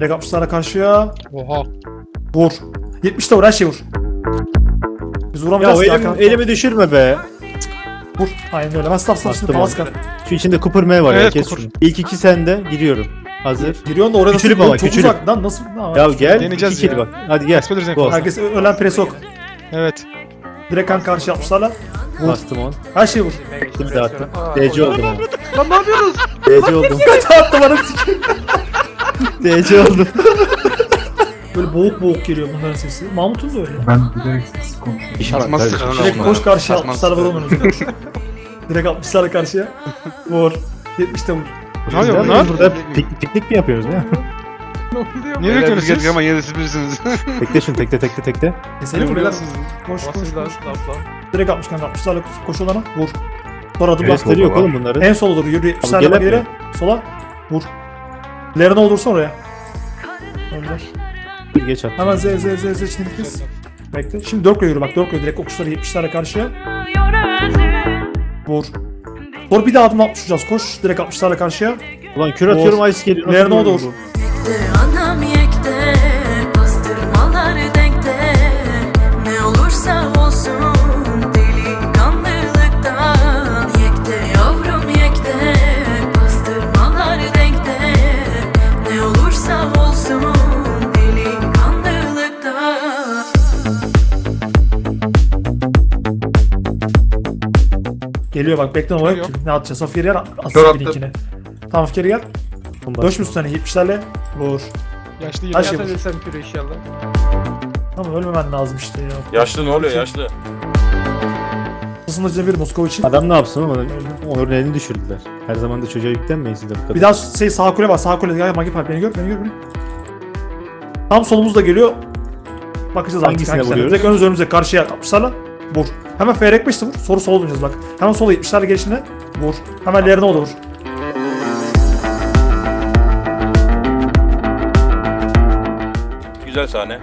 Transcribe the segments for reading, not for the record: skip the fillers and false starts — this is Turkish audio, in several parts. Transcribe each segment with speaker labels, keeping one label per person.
Speaker 1: Direkt 60'lara karşıya.
Speaker 2: Oha.
Speaker 1: Vur. 70'te vur, her şeyi vur. Biz
Speaker 3: Ya
Speaker 1: vuramayacağız
Speaker 3: o
Speaker 1: ki Hakan.
Speaker 3: elimi düşürme be.
Speaker 1: Vur. Aynen öyle. Ben stop şimdi
Speaker 3: Bastım
Speaker 1: Palaska.
Speaker 3: Şu içinde Cooper M var ya,
Speaker 2: Evet,
Speaker 3: kes
Speaker 2: Cooper.
Speaker 3: şunu. İlk iki sende, giriyorum. Hazır.
Speaker 1: Giriyorsun da oraya nasıl
Speaker 3: Küçülüp ama,
Speaker 1: çok
Speaker 3: küçülüp.
Speaker 1: uzak lan nasıl?
Speaker 3: Ya gel,
Speaker 2: Deneyeceğiz
Speaker 3: iki kill
Speaker 2: ya.
Speaker 3: bak. Hadi gel.
Speaker 2: Esmeleriz en
Speaker 3: Go.
Speaker 2: fazla.
Speaker 1: Herkes ölen presi yok.
Speaker 2: Evet.
Speaker 1: Direkt kan karşı 60'larla.
Speaker 3: Bastım on.
Speaker 1: Her şeyi vur.
Speaker 3: Şimdi de attım. DC oldum ama.
Speaker 2: Lan ne yapıyorsunuz?
Speaker 3: DC oldum.
Speaker 1: Attı bana sikeyim.
Speaker 3: DC oldum.
Speaker 1: Böyle boğuk boğuk geliyor bunların sesi. Mahmut'un da öyle.
Speaker 4: Ben bilerek sessiz konuşuyorum.
Speaker 3: İnşallah
Speaker 2: Atmaz
Speaker 3: kardeşim.
Speaker 2: sıra.
Speaker 1: Direkt koş karşıya
Speaker 2: Atmaz.
Speaker 1: 60'lara vuralım önümüzde. Direkt 60'lara karşıya. Vur. 70'te vur.
Speaker 2: Ne yapıyor
Speaker 3: Biz
Speaker 2: bunlar?
Speaker 3: Burada piknik mi yapıyoruz ne?
Speaker 2: Niye bekliyorsunuz siz?
Speaker 5: Ama yine de siz bilirsiniz.
Speaker 3: Tekle şunu, tekle.
Speaker 1: Keselim mi beyler? Koş koş koş. Direkt 60 kanka 60'larla koş olana vur. Sonra adım bas.
Speaker 3: Gösteri yok oğlum bunların.
Speaker 1: En sola doğru yürü. 70'lerle
Speaker 3: gel
Speaker 1: bak
Speaker 3: hep
Speaker 1: ileri. Sola. Vur. Lerine olursa oraya. Önder.
Speaker 3: Bir geç at.
Speaker 1: Hemen Z içine kız. Bekle. Şimdi 4 yürü bak 4 direkt okuşları 70'lerle karşıya. Vur. Sonra bir daha adım 60 vuracağız. Koş direkt 60'larla karşıya.
Speaker 3: Ulan kür atıyorum, ice geliyor. Nasıl
Speaker 1: Lerine o da
Speaker 3: vuruyor
Speaker 1: vur.
Speaker 6: Anam yekte, bastırmalar denkte. Ne olursa olsun delikanlılıktan. Yekte yavrum yekte, bastırmalar denkte. Ne olursa olsun delikanlılıktan.
Speaker 1: Geliyor bak bekle oraya.
Speaker 2: Geliyor.
Speaker 1: Ne atacağız? Safir yer
Speaker 4: Kör
Speaker 1: atsın
Speaker 4: attı.
Speaker 1: linkine. Tamam Fikir gel.
Speaker 3: Bomba.
Speaker 1: Döş üstüne 70'lerle. Vur.
Speaker 2: Yaşlı
Speaker 1: Her şey
Speaker 2: yedi.
Speaker 1: vur. Tamam ölmemen lazım işte ya.
Speaker 5: Yaşlı ne oluyor yaşlı?
Speaker 1: Hızlıca bir Moskovic'in.
Speaker 3: Adam ne yapsın ama Onur'un elini düşürdüler. Her zaman da çocuğa yüklenmeyiz de bu kadar.
Speaker 1: Bir daha sağ kule var sağ kule. Gel Magi Park beni gör beni. Tam solumuzda geliyor. Bakacağız
Speaker 3: Hangisine vuruyoruz?
Speaker 1: Direkt önümüze karşıya 60'larla. Vur. Hemen FR 5'te vur. Sonra sola döneceğiz bak. Hemen sola 70'lerle gelişine. Vur. Hemen lerine o da vur.
Speaker 5: Güzel sahne.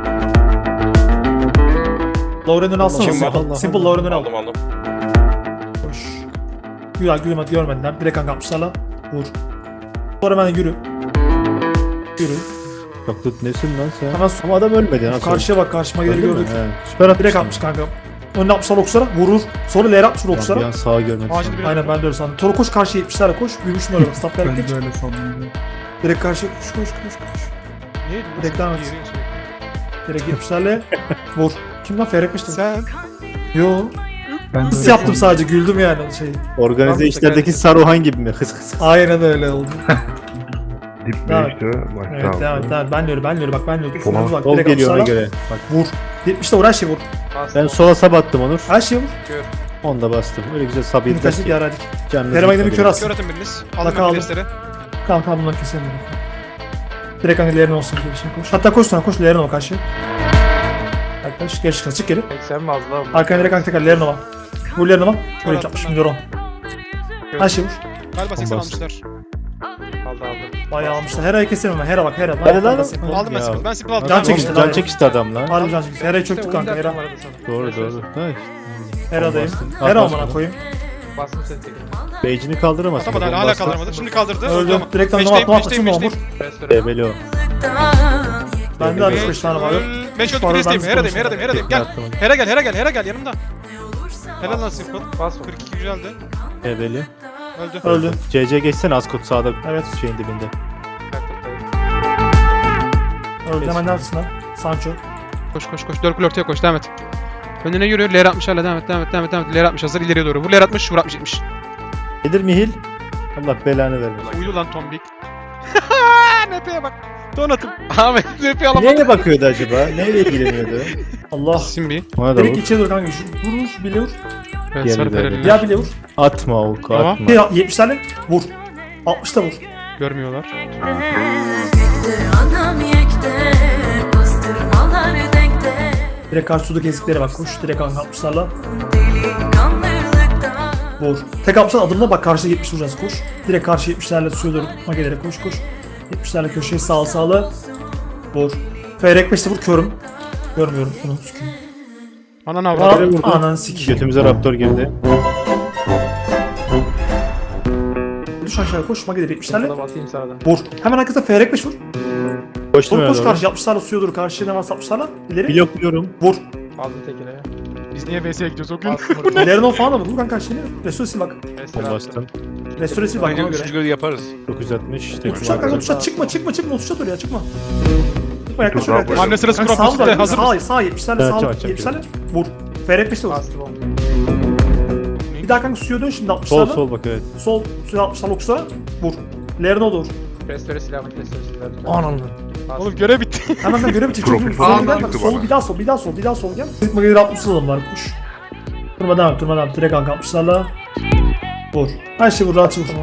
Speaker 1: Lauren'ın alsana.
Speaker 5: Kim var?
Speaker 1: Simple. Simple Lauren'ın al.
Speaker 5: Aldım.
Speaker 1: Koş. Güzel görmediler. Direkt kanka 60'larla. Vur. Sonra hemen yürü. Yürü.
Speaker 3: Çok tut nesin lan sen?
Speaker 1: Hemen
Speaker 3: Ama adam ölmedi nasıl?
Speaker 1: karşıya bak karşıma geri
Speaker 3: Öldü mü?
Speaker 1: gördük.
Speaker 3: He, süper atmış.
Speaker 1: Direkt 60 kanka. Önüne 60'lar okçulara vurur. Sonra L'ye 60
Speaker 3: Bir
Speaker 1: okçulara.
Speaker 3: an sağa görmedim.
Speaker 2: Acil bir
Speaker 1: Aynen ben de öyle sandım. Sonra koş karşıya 70'lerle koş. Büyümüşüm öyle bak. Stop
Speaker 4: Ben
Speaker 1: vererek geç.
Speaker 4: de öyle sandım.
Speaker 1: Direkt karşıya koş.
Speaker 2: Neydi?
Speaker 1: Direkt devam et. Direkt 70'lerle vur. Kim lan Ferrekmiştim.
Speaker 2: Sen.
Speaker 1: Yo.
Speaker 4: Ben de
Speaker 1: Hıs
Speaker 4: öyle
Speaker 1: yaptım
Speaker 4: sandım.
Speaker 1: sadece güldüm yani şey.
Speaker 3: Organize
Speaker 2: Tamam,
Speaker 3: işlerdeki Saruhan gibi mi? Hıs hıs.
Speaker 1: Aynen öyle oldu.
Speaker 7: Dip
Speaker 1: Devam
Speaker 7: mi işte? Bak
Speaker 1: Evet
Speaker 7: tamam.
Speaker 1: devam et. Ben de öyle bak ben de öyle.
Speaker 7: Tamam.
Speaker 1: Bak
Speaker 3: Sol
Speaker 1: direkt
Speaker 3: geliyor ona
Speaker 1: 60'larla
Speaker 3: göre. Bak
Speaker 1: vur. 70'te vur her şeyi vur.
Speaker 3: ben sola sabattım Onur.
Speaker 1: Her şeyi vur.
Speaker 3: Onu da bastım. Öyle güzel
Speaker 1: Bir
Speaker 3: sabitler
Speaker 1: kaçtık
Speaker 3: ki.
Speaker 1: yaradık.
Speaker 3: Canınızı
Speaker 1: Kerem'e gidip
Speaker 3: yıkmadı.
Speaker 1: kör atsın.
Speaker 2: Kör atın biriniz.
Speaker 1: Aldım.
Speaker 2: Aldım ben bilesleri.
Speaker 1: Tamam bunları keselim. Direkt hani L'lerin olsun gibi bir şey koş. Hatta koş sonra koş L'lerin ol karşı. Arkadaş geri çıkın çık geri.
Speaker 5: Sen mi az lan?
Speaker 1: Arkana direkt kanka tekrar L'lerin ol. Vur L'lerin ol. Böyle
Speaker 2: attım
Speaker 1: 60
Speaker 2: ben.
Speaker 1: milyon. Her şey vur.
Speaker 2: Galiba 80
Speaker 3: Bastım.
Speaker 2: almışlar.
Speaker 5: Aldı.
Speaker 1: Bayağı almışlar. Hera'yı keselim hemen. Hera bak Hera.
Speaker 3: Hadi lan.
Speaker 2: Aldım ben
Speaker 3: Ya.
Speaker 2: simple. Ben simple aldım.
Speaker 1: Can
Speaker 2: Ben
Speaker 1: çekişti.
Speaker 2: aldım.
Speaker 3: Can çekişti adam lan.
Speaker 1: Harbi can çekti. Hera'yı çöktük kanka Hera.
Speaker 3: Doğru. Hay.
Speaker 1: Hera'dayım.
Speaker 3: Bastım.
Speaker 1: Hera
Speaker 3: Bastım.
Speaker 1: amına koyayım.
Speaker 5: Bastım seni tekrar.
Speaker 3: Beycini kaldıramaz.
Speaker 2: Atamadı hala kaldıramadı. Şimdi kaldırdı.
Speaker 1: Öldü.
Speaker 2: Tamam.
Speaker 1: Direkt
Speaker 2: Meşteyim,
Speaker 1: atma
Speaker 2: meşteyim,
Speaker 1: şimdi
Speaker 2: meşteyim.
Speaker 1: vur.
Speaker 3: Ebeli o.
Speaker 1: Bende 65 tane var.
Speaker 2: Meş öldü
Speaker 1: Sonra
Speaker 2: biristeyim.
Speaker 1: ben
Speaker 2: Hera'dayım,
Speaker 1: konuşayım.
Speaker 2: Hera'dayım. Gel.
Speaker 3: Attım onu.
Speaker 2: Hera gel yanımda. Helal lan simple.
Speaker 5: Bas.
Speaker 2: 42 güzeldi.
Speaker 3: Ebeli.
Speaker 2: Öldü.
Speaker 1: Öldü.
Speaker 3: CC geçsene Askot sağda.
Speaker 1: Evet.
Speaker 3: Şeyin dibinde.
Speaker 1: Öldü hemen neredesin lan? Sancho.
Speaker 2: Koş. 4 kule ortaya koş. Devam et. Önüne yürü. Ler 60 hala devam et. Ler 60 hazır ileriye doğru. Vur Ler 60, vur 60 70.
Speaker 3: Nedir Mihil? Allah belanı vermesin.
Speaker 2: Uyudu lan tombik. NP'ye bak. Donatım. Ahmet NP alamadı.
Speaker 3: Neye bakıyordu acaba? Neyle ilgileniyordu?
Speaker 1: Allah.
Speaker 2: Simbi.
Speaker 3: Ona da
Speaker 1: Direkt
Speaker 3: vur.
Speaker 1: içeri dur kanka. Vur bile vur.
Speaker 2: Evet
Speaker 3: Diğer
Speaker 2: sarı
Speaker 3: ileride.
Speaker 2: pereli.
Speaker 1: Ya bile vur.
Speaker 3: Atma oku
Speaker 2: Tamam.
Speaker 3: atma.
Speaker 1: 70'lerle vur. 60'ta vur.
Speaker 2: Görmüyorlar.
Speaker 6: Anam yekte, bastırmalar denkte.
Speaker 1: Direkt karşı sudaki eziklere bak. Koş. Direkt kanka 60'larla
Speaker 6: Delikanlılıktan.
Speaker 1: vur. Tek 60'lar adımla bak karşıda 70 vuracağız. Koş. Direkt karşı 70'lerle suya doğru magelere koş. 70'lerle köşeye sağlı. Vur. Feyrek 5'te vur körüm. Görmüyorum. Bunu sikeyim.
Speaker 2: Ananı avradı.
Speaker 1: Ananı sikeyim.
Speaker 3: Götümüze raptor girdi.
Speaker 1: düş aşağıya koş. Mage de 70'lerle.
Speaker 5: Burada batayım sana da.
Speaker 1: Vur. Hemen arkasında Feyrek 5 vur.
Speaker 3: Koştum
Speaker 1: Vur
Speaker 3: öyle
Speaker 1: koş
Speaker 3: doğru.
Speaker 1: karşı 60'larla suya doğru. Karşıya ne varsa 60'larla. İleri.
Speaker 3: Blokluyorum.
Speaker 1: Vur.
Speaker 5: Aldım tekine ya.
Speaker 2: Biz niye VS'ye gidiyoruz o gün?
Speaker 5: Bastım burada.
Speaker 1: İlerini o falan da vur. Vur kanka karşıya. Restore sil bak.
Speaker 5: Restore
Speaker 3: Onu
Speaker 5: attım.
Speaker 3: bastım.
Speaker 1: Restore sil bak ona göre.
Speaker 2: Üçüncü yaparız.
Speaker 3: 960.
Speaker 1: Uçacak kanka uçacak. Çıkma. Uçacak oraya çıkma. Çıkma yaklaş
Speaker 7: Dur,
Speaker 1: oraya yaklaş.
Speaker 2: Hamle sırası
Speaker 1: Kanka
Speaker 2: kuran
Speaker 1: sağ
Speaker 2: pozisyonda
Speaker 1: var.
Speaker 2: hazır mısın?
Speaker 1: Sağ 70'lerle
Speaker 3: Evet,
Speaker 1: sağ
Speaker 3: açacağım.
Speaker 1: 70'lerle. Vur. Feyrek 5'te vur.
Speaker 5: Bastım onu.
Speaker 1: Bir daha kanka suya dön şimdi 60'larla.
Speaker 3: Sol sol bak evet.
Speaker 1: Sol suya 60'larla oksa. Vur. Lerine doğru.
Speaker 5: Restore silah bak. Restore silah.
Speaker 1: Ananı.
Speaker 2: Oğlum görev bitti.
Speaker 1: Hemen ben görev bitireceğim.
Speaker 7: Profil
Speaker 1: Sola
Speaker 7: falan
Speaker 1: gel bak.
Speaker 7: çıktı
Speaker 1: Sol
Speaker 7: bana.
Speaker 1: bir daha sol gel. Tıkma gelir 60 alalım var kuş. Durma devam et. Direkt kanka 60'larla. Vur. Her şey vur rahat vur.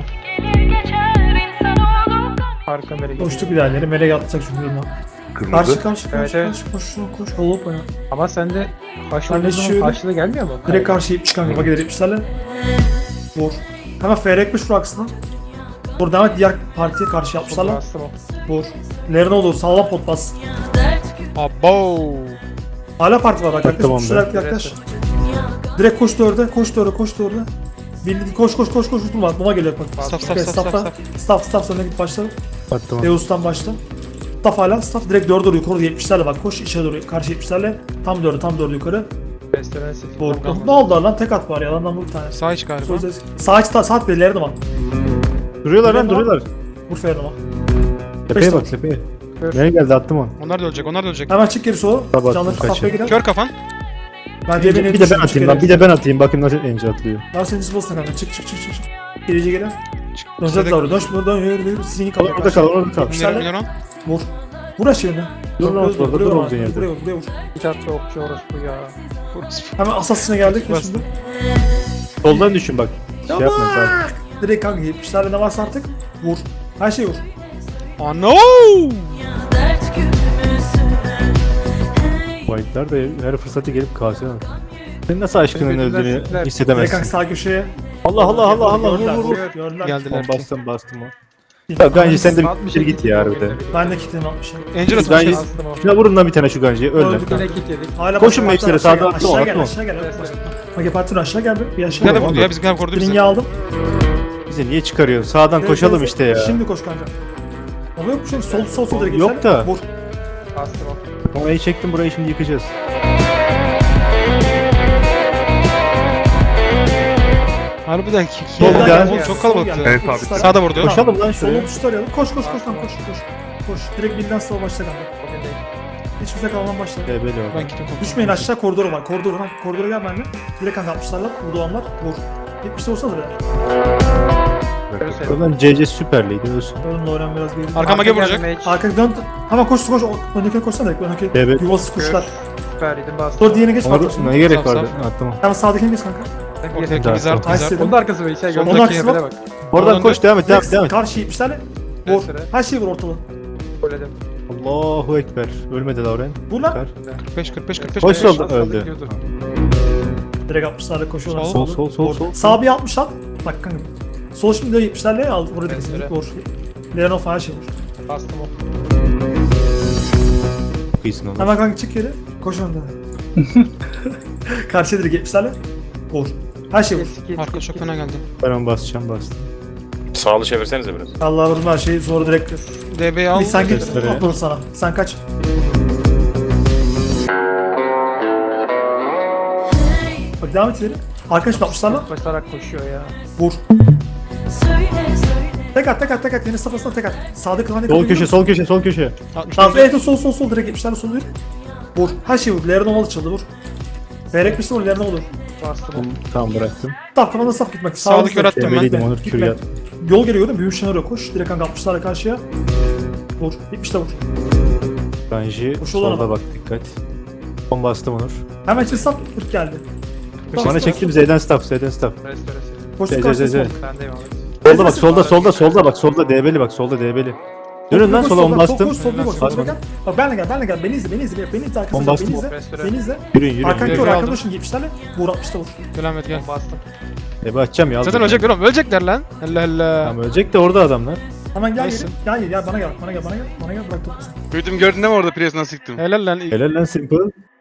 Speaker 5: Arka beri gidiyor.
Speaker 1: Koştuk ilerleri. Melek atacak çünkü durma.
Speaker 7: Kırmızı.
Speaker 1: Karşı
Speaker 5: Evet, evet.
Speaker 1: koş. Hop oyna.
Speaker 5: Ama sende haşlı
Speaker 1: Ben de
Speaker 5: olduğu zaman
Speaker 1: şöyle-
Speaker 5: haşlı gelmiyor mu?
Speaker 1: Direkt karşı 70 kanka. Bak gelir 70'lerle. Vur. Hemen FR 5 vur aksına. Vur devam et diğer partiye karşı 60'larla.
Speaker 5: Bastım o.
Speaker 1: Vur. Lerine olur. Sağlam pot bas.
Speaker 2: Abo.
Speaker 1: Hala parti var bak. Yaklaş.
Speaker 3: Tamam,
Speaker 1: Yaklaş. Yaklaş. Direkt koş 4'e. Koş 4'e. Bildiğin koş. Durma. Buna geliyor bak.
Speaker 2: Staff
Speaker 1: Okay, staff sonra git başla.
Speaker 3: Attım.
Speaker 1: Deus'tan başla. Staff hala staff direkt 4'e doğru yukarı 70'lerle bak koş içe doğru karşı 70'lerle tam 4'e yukarı.
Speaker 5: Restore sil.
Speaker 1: Vur. Ne oldu lan tek at var ya lan bir tane.
Speaker 2: Sağ iç galiba.
Speaker 1: Sağ aç belirlerine bak.
Speaker 3: Duruyorlar lan
Speaker 1: Duruyorlar.
Speaker 3: duruyorlar.
Speaker 1: Vur Ferhan'a bak.
Speaker 3: Tepeye
Speaker 1: Beş
Speaker 3: bak
Speaker 1: tane.
Speaker 3: tepeye.
Speaker 5: Kör.
Speaker 3: Nereye geldi attım onu.
Speaker 2: Onlar da ölecek.
Speaker 1: Hemen çık geri sola.
Speaker 3: Tabii,
Speaker 1: Canları
Speaker 3: kaçıyor.
Speaker 1: staff'a girer.
Speaker 2: Kör kafan.
Speaker 1: Ben diye beni
Speaker 3: Bir de ben atayım lan. Bir de ben atayım. Bakayım nasıl ence atlıyor.
Speaker 1: Daha senin zıplasına kanka çık. Gerici gelen. Dönecek
Speaker 2: Zedek-
Speaker 1: doğru. Dön yürü. Sinini kapı.
Speaker 3: Orada kal orada kal.
Speaker 2: Mineron.
Speaker 1: Vur. Vur aşağıya.
Speaker 3: Dur lan, orada dur olduğun yerde.
Speaker 1: Buraya vur.
Speaker 5: Bir tatlı okçu orası bu ya.
Speaker 1: Hemen asasine geldik.
Speaker 2: Bastım.
Speaker 1: Şimdi.
Speaker 3: Soldan düşün bak. Şey yapma sen.
Speaker 1: Direkt kanka 70'lerde ne varsa artık vur. Her şeyi vur.
Speaker 2: Oh no.
Speaker 3: White'lar da her fırsatı gelip kasıyor. Senin nasıl aşkının
Speaker 5: Birbirinden
Speaker 3: öldüğünü
Speaker 5: sikler.
Speaker 1: Direkt kanka
Speaker 3: hissedemezsin.
Speaker 1: sağ köşeye.
Speaker 3: Allah
Speaker 1: Gördüler,
Speaker 3: vur.
Speaker 1: Gördüler.
Speaker 2: Geldiler.
Speaker 3: Bastım o. Ya Ganji sen de bir bitir git ya harbiden.
Speaker 1: Ben de kitlemi atmışım.
Speaker 2: Angel
Speaker 3: Ganji
Speaker 2: atacağız.
Speaker 5: Bastım o.
Speaker 3: şuna vurun lan bir tane şu Ganji'ye öl lan.
Speaker 1: Öldük.
Speaker 5: Yine kit yedik.
Speaker 1: Hala
Speaker 3: Koşun
Speaker 1: bak,
Speaker 3: mekslere,
Speaker 1: aşağı
Speaker 3: sağda
Speaker 1: gel,
Speaker 3: atma, atma.
Speaker 1: Aşağı gel. Mage Parti aşağı gel bir aşağı
Speaker 2: Gel de
Speaker 1: gel.
Speaker 2: vurdu ya bizim korudu
Speaker 1: Ring'i
Speaker 2: bizi.
Speaker 1: aldım.
Speaker 3: Bize niye çıkarıyorsun? Sağdan koşalım işte ya.
Speaker 1: Şimdi koş kanka. Ama yok bir şey sol direkt
Speaker 3: Yok
Speaker 1: geçer.
Speaker 3: da.
Speaker 1: Vur.
Speaker 5: Bastım o.
Speaker 3: Orayı çektim burayı şimdi yıkacağız.
Speaker 2: Harbiden
Speaker 3: Sol
Speaker 1: Soldan
Speaker 3: gel.
Speaker 1: gel,
Speaker 2: Oğlum çok
Speaker 1: sol
Speaker 2: kalabalıktı.
Speaker 1: gel.
Speaker 7: Evet abi.
Speaker 1: Tuşlara-
Speaker 2: Sağda vurdu.
Speaker 3: Koşalım lan şuraya.
Speaker 1: Solu tuşlar arayalım. Koş lan koş. Direkt birden sola başla kanka.
Speaker 5: Bugün değil.
Speaker 1: Hiç bize kalman başla.
Speaker 3: Böyle o.
Speaker 2: Ben gittim.
Speaker 1: Düşmeyin aşağı koridora var. Koridora gel benimle. Direkt kanka 60'larla. Burada olanlar vur. 70'de olsa da beyler.
Speaker 5: Görürsün.
Speaker 3: Oradan CC Süper Lig'de ölsün.
Speaker 1: Önümle öğren biraz geri.
Speaker 2: Arkama
Speaker 5: Arka
Speaker 2: gel vuracak.
Speaker 5: geldi, mage.
Speaker 1: Arka dön. Hemen koş. Öndekine koşsana direkt. Öndeki
Speaker 3: Evet.
Speaker 1: yuvası kuşlar.
Speaker 5: Süperiydim bastım.
Speaker 1: Dur diğerine geç bak.
Speaker 3: Ona ne gerek
Speaker 2: Saf,
Speaker 3: vardı?
Speaker 2: saf.
Speaker 3: Attım.
Speaker 1: Hemen sağdakine geç kanka.
Speaker 2: Ortadaki
Speaker 3: Güzel.
Speaker 2: Wizard.
Speaker 1: Nice dedim.
Speaker 5: Onun da arkası var. İçeri
Speaker 2: Soldaki
Speaker 5: gördüm.
Speaker 1: Onun arkası
Speaker 5: Habere
Speaker 1: bak.
Speaker 5: bak.
Speaker 3: Oradan
Speaker 2: Oradan
Speaker 3: koş devam et devam et.
Speaker 1: Karşı 70'lerle. Vur.
Speaker 5: Restore.
Speaker 1: Her şeyi vur ortalığı.
Speaker 5: Söyledim.
Speaker 3: Allahu Ekber. Ölmedi Lauren.
Speaker 1: Vur lan.
Speaker 2: 45.
Speaker 3: Koş solda
Speaker 5: Solda
Speaker 3: öldü.
Speaker 5: gidiyordu.
Speaker 1: Direkt 60'larla koşuyorlar.
Speaker 2: Sol,
Speaker 3: sol.
Speaker 1: Sağ bir 60 al. Bak kanka. Sol şimdi de 70'lerle al. Burada
Speaker 5: Evet,
Speaker 1: kesinlikle
Speaker 5: evet.
Speaker 1: vur. Leonov her şey vur.
Speaker 5: Bastım o.
Speaker 3: Çok iyisin oğlum.
Speaker 1: Hemen kanka çık geri. Koş önden. Karşıya direkt 70'lerle. Vur. Her şey vur.
Speaker 5: Git,
Speaker 2: Arka çok fena geldi.
Speaker 3: Ben onu basacağım bastım.
Speaker 5: Sağlı çevirsenize biraz.
Speaker 1: Allah vurma her şeyi sonra direkt.
Speaker 2: DB'yi al.
Speaker 1: Bir sen git.
Speaker 3: Göstere.
Speaker 1: Atladı sana. Sen kaç. Bak devam et ileri. Arkadaş 60'larla.
Speaker 5: Basarak koşuyor ya.
Speaker 1: Vur.
Speaker 6: Söyle
Speaker 1: Tek at. Yeni safhasına tek at. Sağda kılan
Speaker 3: Sol köşe.
Speaker 1: Tamam evet sol direkt 70'lerle sol yürü. Vur. Her şeyi vur. Lerden olmalı çaldı vur. Berek bir şey vur. Lerden olur.
Speaker 5: Bastım o.
Speaker 3: Tamam bıraktım.
Speaker 1: Saf kafana saf gitmek.
Speaker 2: Sağlık yarattım ben.
Speaker 3: Develiydim Onur
Speaker 1: Gitme.
Speaker 3: kür yat.
Speaker 1: Yol geliyor değil mi? Büyük şenara koş. Direkt kanka 60'larla karşıya. Vur. 70'te vur.
Speaker 3: Ganji
Speaker 1: Koş olan
Speaker 3: solda
Speaker 1: ama.
Speaker 3: bak dikkat. Son bastım Onur.
Speaker 1: Hemen içeri saf. 40 geldi.
Speaker 3: Sonra çektim Z'den staff.
Speaker 5: Restore.
Speaker 1: Koş
Speaker 3: Z,
Speaker 1: karşıya
Speaker 3: Z, Z.
Speaker 1: sol.
Speaker 5: Sendeyim abi.
Speaker 3: Solda bak solda bak solda debeli bak solda debeli. Dönün lan
Speaker 1: Koş,
Speaker 3: sola onu
Speaker 1: soldan,
Speaker 3: bastım.
Speaker 1: Koş solda bak. Solda
Speaker 3: Basmadım.
Speaker 1: gel. Bak benle gel. Beni izle arkasında.
Speaker 3: On bastım.
Speaker 1: Beni izle.
Speaker 3: Yürüyün.
Speaker 1: Arkandaki
Speaker 2: Yürü,
Speaker 1: or
Speaker 2: aldım.
Speaker 1: arkadaşın 70'lerle. Vur 60'ta vur.
Speaker 2: Devam et gel.
Speaker 5: Bastım.
Speaker 3: Ebe açacağım ya.
Speaker 2: Zaten ölecekler oğlum. Ölecekler lan. Allah Allah.
Speaker 3: Tamam ölecek de orada adamlar.
Speaker 1: Hemen gel
Speaker 2: Neyse.
Speaker 1: geri. Gel bana gel. Bana gel bırak toplasın.
Speaker 8: Gördüm gördün değil mi orada Prius nasıl sıktım?
Speaker 2: Helal lan.
Speaker 3: Helal lan simple.